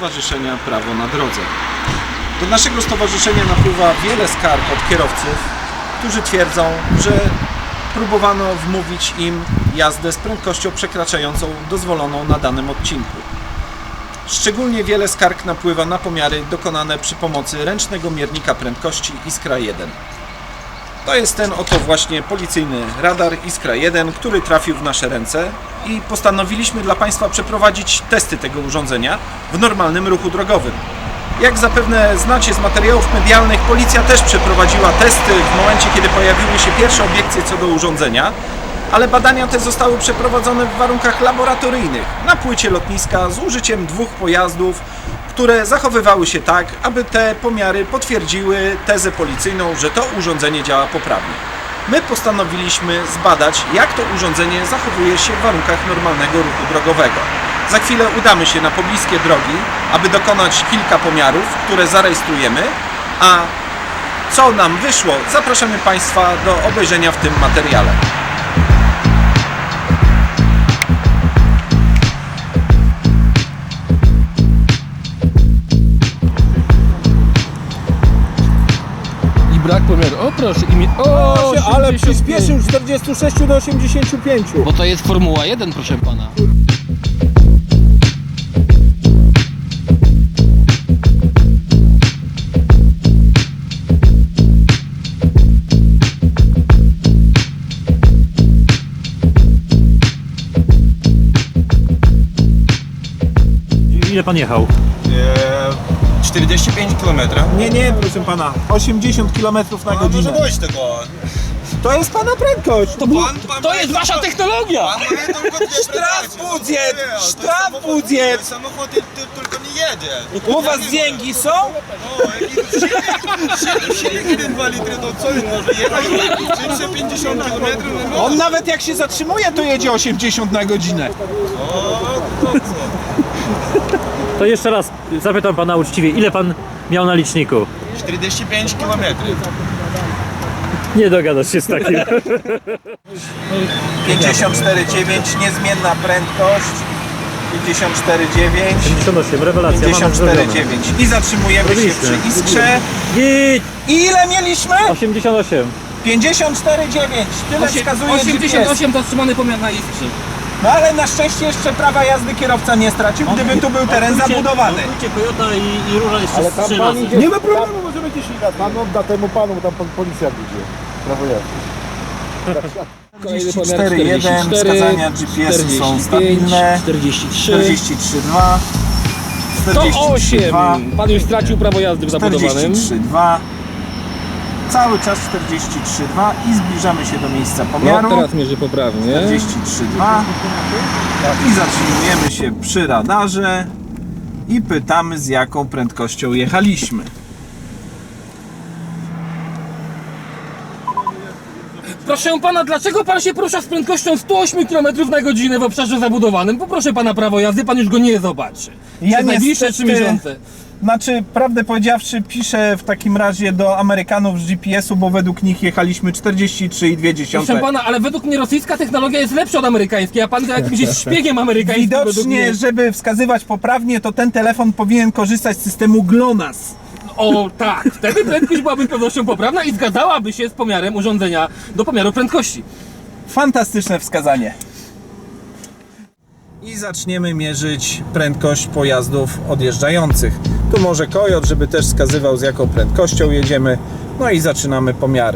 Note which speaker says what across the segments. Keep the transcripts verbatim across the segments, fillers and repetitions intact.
Speaker 1: Stowarzyszenia Prawo na Drodze. Do naszego stowarzyszenia napływa wiele skarg od kierowców, którzy twierdzą, że próbowano wmówić im jazdę z prędkością przekraczającą dozwoloną na danym odcinku. Szczególnie wiele skarg napływa na pomiary dokonane przy pomocy ręcznego miernika prędkości Iskra jeden. To jest ten oto właśnie policyjny radar Iskra jeden, który trafił w nasze ręce i postanowiliśmy dla Państwa przeprowadzić testy tego urządzenia w normalnym ruchu drogowym. Jak zapewne znacie z materiałów medialnych, policja też przeprowadziła testy w momencie, kiedy pojawiły się pierwsze obiekcje co do urządzenia, ale badania te zostały przeprowadzone w warunkach laboratoryjnych na płycie lotniska z użyciem dwóch pojazdów, które zachowywały się tak, aby te pomiary potwierdziły tezę policyjną, że to urządzenie działa poprawnie. My postanowiliśmy zbadać, jak to urządzenie zachowuje się w warunkach normalnego ruchu drogowego. Za chwilę udamy się na pobliskie drogi, aby dokonać kilka pomiarów, które zarejestrujemy, a co nam wyszło, zapraszamy Państwa do obejrzenia w tym materiale.
Speaker 2: Brak pomiaru. O proszę, imię. O,
Speaker 3: ale przyspieszył z czterdziestu sześciu do osiemdziesięciu pięciu.
Speaker 2: Bo to jest Formuła jeden, proszę pana.
Speaker 4: Ile pan jechał?
Speaker 5: czterdzieści pięć kilometrów.
Speaker 3: Nie, nie, proszę pana, osiemdziesiąt kilometrów na godzinę.
Speaker 5: Może dojść tego.
Speaker 3: To jest pana prędkość. To
Speaker 5: Pan, pan
Speaker 2: To jest wasza technologia!
Speaker 5: Pan ma tylko dwie
Speaker 3: Sztraf
Speaker 5: prędkości.
Speaker 3: budżet!
Speaker 5: Nie, to
Speaker 3: Sztraf
Speaker 5: samochód-
Speaker 3: budżet!
Speaker 5: to Samochód ty- ty- tylko nie jedzie.
Speaker 3: U was dzięki są?
Speaker 5: O, jaki silnik- silnik jeden przecinek dwa litry, to co on może jechać? trzysta pięćdziesiąt kilometrów na godzinę.
Speaker 3: On nawet jak się zatrzymuje, to jedzie osiemdziesiąt na godzinę.
Speaker 5: O, to co?
Speaker 4: To jeszcze raz zapytam pana uczciwie, ile pan miał na liczniku?
Speaker 5: czterdzieści pięć kilometrów.
Speaker 4: Nie dogadasz się z takim.
Speaker 3: pięćdziesiąt cztery dziewięć, niezmienna prędkość. pięćdziesiąt cztery dziewięć.
Speaker 4: pięćdziesiąt osiem, rewelacja, mamy
Speaker 3: pięćdziesiąt cztery
Speaker 4: zrobione.
Speaker 3: dziewięć. I zatrzymujemy się
Speaker 4: Robiliśmy.
Speaker 3: przy Iskrze.
Speaker 4: Git!
Speaker 3: I ile mieliśmy?
Speaker 4: osiemdziesiąt osiem.
Speaker 3: pięćdziesiąt cztery dziewięć. Tyle wskazuje
Speaker 2: osiemdziesiąt
Speaker 3: G P S.
Speaker 2: osiem zatrzymany pomiar na Iskrze.
Speaker 3: No ale na szczęście jeszcze prawa jazdy kierowca nie stracił, gdyby tu był teren zabudowany.
Speaker 4: Toyota i, i Róża jeszcze
Speaker 6: Ale tam
Speaker 4: trzy
Speaker 6: pan
Speaker 4: razy.
Speaker 6: idzie,
Speaker 3: Nie ma problemu, możemy gdzieś iść.
Speaker 6: pan odda temu panu, bo tam pan policja idzie. Prawo jazdy.
Speaker 3: czterdzieści cztery jeden, wskazania G P S są stabilne.
Speaker 2: czterdzieści trzy,
Speaker 3: czterdzieści trzy dwa,
Speaker 2: sto
Speaker 3: czterdzieści trzy
Speaker 2: osiem.
Speaker 3: dwa,
Speaker 2: Pan już stracił prawo jazdy w zabudowanym.
Speaker 3: czterdzieści trzy dwa. Cały czas czterdzieści trzy dwa i zbliżamy się do miejsca
Speaker 2: No,
Speaker 3: pomiaru.
Speaker 2: teraz mierzy poprawnie.
Speaker 3: czterdzieści trzy dwa i zatrzymujemy się przy radarze i pytamy, z jaką prędkością jechaliśmy.
Speaker 2: Proszę pana, dlaczego pan się porusza z prędkością sto osiem kilometrów na godzinę w obszarze zabudowanym? Poproszę pana prawo jazdy, pan już go nie zobaczy.
Speaker 3: Ja
Speaker 2: Przez najbliższe
Speaker 3: niestety-
Speaker 2: trzy miesiące.
Speaker 3: Znaczy, prawdę powiedziawszy, piszę w takim razie do Amerykanów z G P S u, bo według nich jechaliśmy czterdzieści trzy i dwie dziesiąte.
Speaker 2: Proszę pana, ale według mnie rosyjska technologia jest lepsza od amerykańskiej, a pan jakimś jest szpiegiem amerykańskim według
Speaker 3: Widocznie,
Speaker 2: mnie.
Speaker 3: żeby wskazywać poprawnie, to ten telefon powinien korzystać z systemu GLONASS.
Speaker 2: O tak, wtedy prędkość byłaby z pewnością poprawna i zgadzałaby się z pomiarem urządzenia do pomiaru prędkości.
Speaker 3: Fantastyczne wskazanie. I zaczniemy mierzyć prędkość pojazdów odjeżdżających. Tu może kojot, żeby też wskazywał, z jaką prędkością jedziemy. No i zaczynamy pomiary.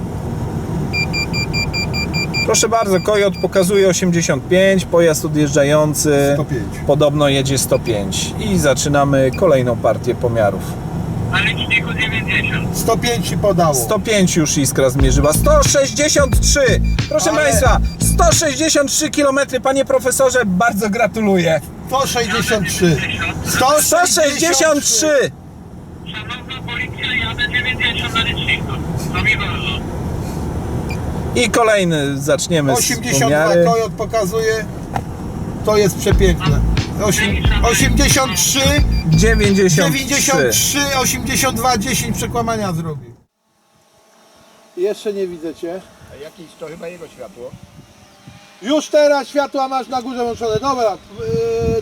Speaker 3: Proszę bardzo, kojot pokazuje osiemdziesiąt pięć, pojazd odjeżdżający
Speaker 6: sto pięć.
Speaker 3: podobno jedzie sto pięć. I zaczynamy kolejną partię pomiarów.
Speaker 7: Na liczniku dziewięćdziesiąt.
Speaker 6: sto pięć ci podało.
Speaker 3: sto pięć już Iskra zmierzyła. sto sześćdziesiąt trzy! Proszę
Speaker 6: Ale-
Speaker 3: Państwa, sto sześćdziesiąt trzy kilometry, panie profesorze, bardzo gratuluję.
Speaker 6: sto sześćdziesiąt trzy.
Speaker 3: sto sześćdziesiąt trzy!
Speaker 7: Szanowna policja, jadę dziewięćdziesiąt na liczniku. To mi wolno.
Speaker 3: I kolejny zaczniemy z
Speaker 6: osiemdziesiąt dwa
Speaker 3: pomiary.
Speaker 6: kojot pokazuje. To jest przepiękne. Osiem- osiemdziesiąt trzy,
Speaker 3: dziewięćdziesiąt
Speaker 6: dziewięćdziesiąt
Speaker 3: trzy.
Speaker 6: trzy, osiemdziesiąt dwa, dziesięć przekłamania zrobił. Jeszcze nie widzę cię.
Speaker 5: A jakieś to chyba jego światło.
Speaker 6: Już teraz światła masz na górze włączone. Dobra, yy,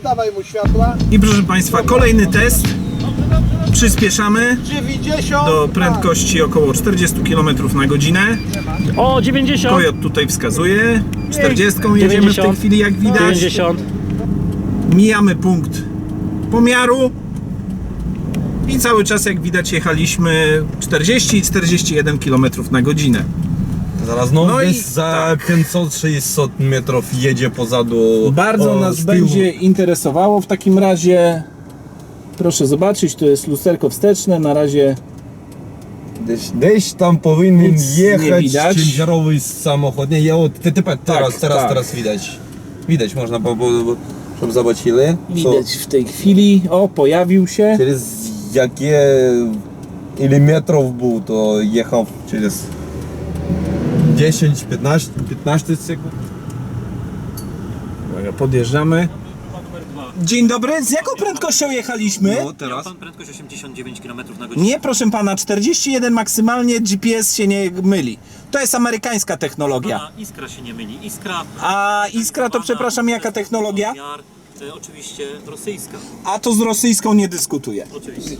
Speaker 6: dawaj mu światła.
Speaker 3: I proszę Państwa, kolejny test. Przyspieszamy
Speaker 6: dziewięćdziesiąt.
Speaker 3: do prędkości około czterdzieści kilometrów na godzinę.
Speaker 4: O, dziewięćdziesiąt!
Speaker 3: Kojot tutaj wskazuje. czterdziestką jedziemy w tej
Speaker 4: dziewięćdziesiąt.
Speaker 3: chwili, jak widać.
Speaker 4: dziewięćdziesiąt.
Speaker 3: Mijamy punkt pomiaru. I cały czas, jak widać, jechaliśmy czterdzieści i czterdzieści jeden kilometrów na godzinę.
Speaker 5: Zaraz no,
Speaker 3: No i
Speaker 5: gdzieś za pięćset sześćset metrów jedzie pozadu.
Speaker 3: Bardzo
Speaker 5: o,
Speaker 3: nas
Speaker 5: z tyłu.
Speaker 3: będzie interesowało w takim razie. Proszę zobaczyć, to jest lusterko wsteczne. Na razie
Speaker 5: Gdzieś, gdzieś tam powinien
Speaker 3: Nic nie
Speaker 5: jechać
Speaker 3: widać.
Speaker 5: ciężarowy samochód. Nie, ja, o, te, te, teraz,
Speaker 3: Tak,
Speaker 5: teraz,
Speaker 3: tak.
Speaker 5: teraz widać. Widać, można, bo, bo, bo żeby zobaczyli.
Speaker 3: widać w tej chwili. O, pojawił się.
Speaker 5: Co, przez jakie ile metrów był, to jechał przez dziesięć, piętnaście, piętnaście sekund.
Speaker 3: Uwaga, podjeżdżamy. Dzień dobry, z jaką prędkością jechaliśmy?
Speaker 5: No teraz.
Speaker 4: Pan prędkość osiemdziesiąt dziewięć kilometrów na godzinę.
Speaker 3: Nie, proszę pana, czterdzieści jeden maksymalnie, G P S się nie myli. To jest amerykańska technologia.
Speaker 4: Pana Iskra się nie myli. Iskra...
Speaker 3: A Iskra to,
Speaker 4: Pana-
Speaker 3: przepraszam, jaka technologia?
Speaker 4: Pomiar, e, oczywiście rosyjska.
Speaker 3: A to z rosyjską nie dyskutuję.
Speaker 4: Oczywiście.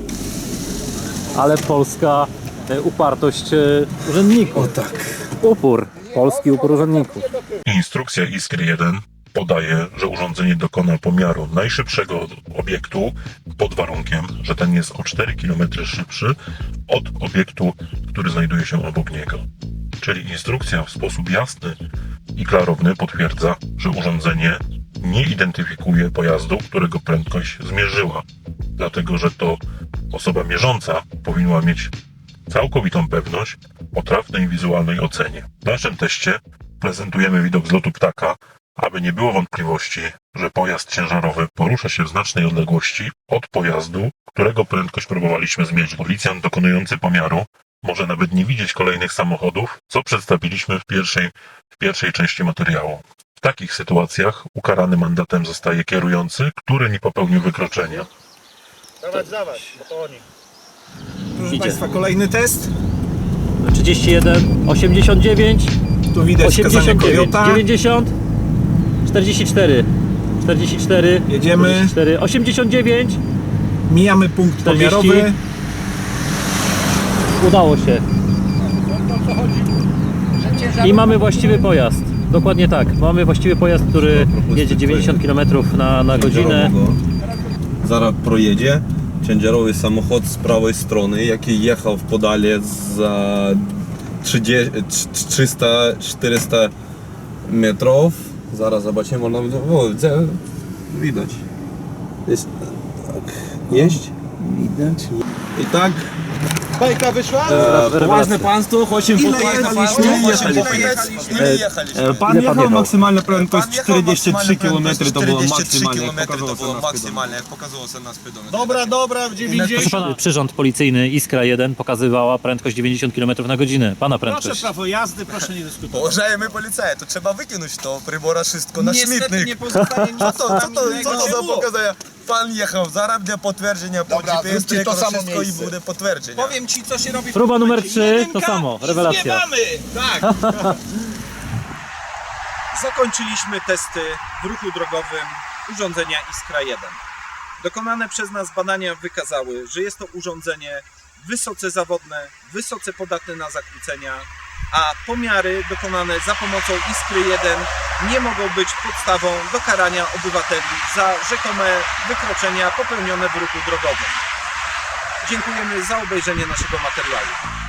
Speaker 4: Ale polska e, upartość e, urzędników. O tak. Upór. Polski upór urzędników.
Speaker 8: Instrukcja Iskry jeden podaje, że urządzenie dokona pomiaru najszybszego obiektu pod warunkiem, że ten jest o cztery kilometry szybszy od obiektu, który znajduje się obok niego. Czyli instrukcja w sposób jasny i klarowny potwierdza, że urządzenie nie identyfikuje pojazdu, którego prędkość zmierzyła, dlatego że to osoba mierząca powinna mieć całkowitą pewność o trafnej wizualnej ocenie. W naszym teście prezentujemy widok z lotu ptaka, aby nie było wątpliwości, że pojazd ciężarowy porusza się w znacznej odległości od pojazdu, którego prędkość próbowaliśmy zmierzyć. Policjant dokonujący pomiaru może nawet nie widzieć kolejnych samochodów, co przedstawiliśmy w pierwszej, w pierwszej części materiału. W takich sytuacjach ukarany mandatem zostaje kierujący, który nie popełnił wykroczenia.
Speaker 3: Proszę
Speaker 4: Idzie.
Speaker 3: Państwa, kolejny test.
Speaker 4: trzydzieści jeden, osiemdziesiąt dziewięć,
Speaker 3: Tu widać wskazanie
Speaker 4: osiemdziesiąt dziewięć,
Speaker 3: Kojota.
Speaker 4: dziewięćdziesiąt, czterdzieści cztery, czterdzieści cztery,
Speaker 3: Jedziemy.
Speaker 4: czterdzieści cztery, osiemdziesiąt dziewięć.
Speaker 3: Mijamy punkt
Speaker 4: czterdzieści.
Speaker 3: pomiarowy.
Speaker 4: Udało się. I mamy właściwy pojazd. Dokładnie tak. Mamy właściwy pojazd, który jedzie dziewięćdziesiąt kilometrów na, na godzinę.
Speaker 5: Zaraz projedzie ciężarowy samochód z prawej strony, jaki jechał w podale za trzydzieści, trzysta czterysta metrów. Zaraz zobaczymy, można o, widać. Jest, tak, jeść.
Speaker 3: Widać.
Speaker 5: I tak.
Speaker 6: Bajka wyszła?
Speaker 5: Ważne państwo, osiem
Speaker 3: Ile jechaliśmy?
Speaker 5: Ile jechaliśmy?
Speaker 9: Pan
Speaker 4: Ile pan
Speaker 9: jechał
Speaker 4: jechał?
Speaker 9: maksymalna prędkość czterdzieści trzy kilometry, to było
Speaker 5: czterdzieści trzy
Speaker 9: maksymalnie, jak
Speaker 5: kilometry to
Speaker 9: pokazało
Speaker 5: było
Speaker 9: się na
Speaker 5: maksymalne, jak pokazało się na speedometrze.
Speaker 6: Dobra, dobra, w dziewięćdziesiąt.
Speaker 4: Proszę pana, przyrząd policyjny Iskra jeden pokazywała prędkość dziewięćdziesiąt kilometrów na godzinę. Pana
Speaker 6: Proszę
Speaker 4: prędkość.
Speaker 6: prawo jazdy, proszę nie dyskutować.
Speaker 5: Уважаемый полицай, to trzeba wykinąć to прибора wszystko na
Speaker 1: Niestety
Speaker 5: śmietnik.
Speaker 1: nie pozostanie nic
Speaker 5: Co to, co
Speaker 1: nam
Speaker 5: to, co
Speaker 1: innego.
Speaker 5: to za pokazania? Pan jechał, zaraz będzie potwierdzenia po
Speaker 6: Dobra,
Speaker 5: G P S,
Speaker 6: zróbcie to
Speaker 5: to
Speaker 6: samo
Speaker 5: wszystko i
Speaker 6: miejsce.
Speaker 5: będzie potwierdzenia.
Speaker 1: Powiem ci, co się robi w
Speaker 4: Próba
Speaker 1: tym
Speaker 4: numer
Speaker 1: momencie.
Speaker 4: trzy,
Speaker 1: Jedynka
Speaker 4: to samo,
Speaker 1: i
Speaker 4: rewelacja.
Speaker 1: zwiewamy. Tak. Zakończyliśmy testy w ruchu drogowym urządzenia Iskra jeden. Dokonane przez nas badania wykazały, że jest to urządzenie wysoce zawodne, wysoce podatne na zakłócenia, a pomiary dokonane za pomocą Iskry jeden nie mogą być podstawą do karania obywateli za rzekome wykroczenia popełnione w ruchu drogowym. Dziękujemy za obejrzenie naszego materiału.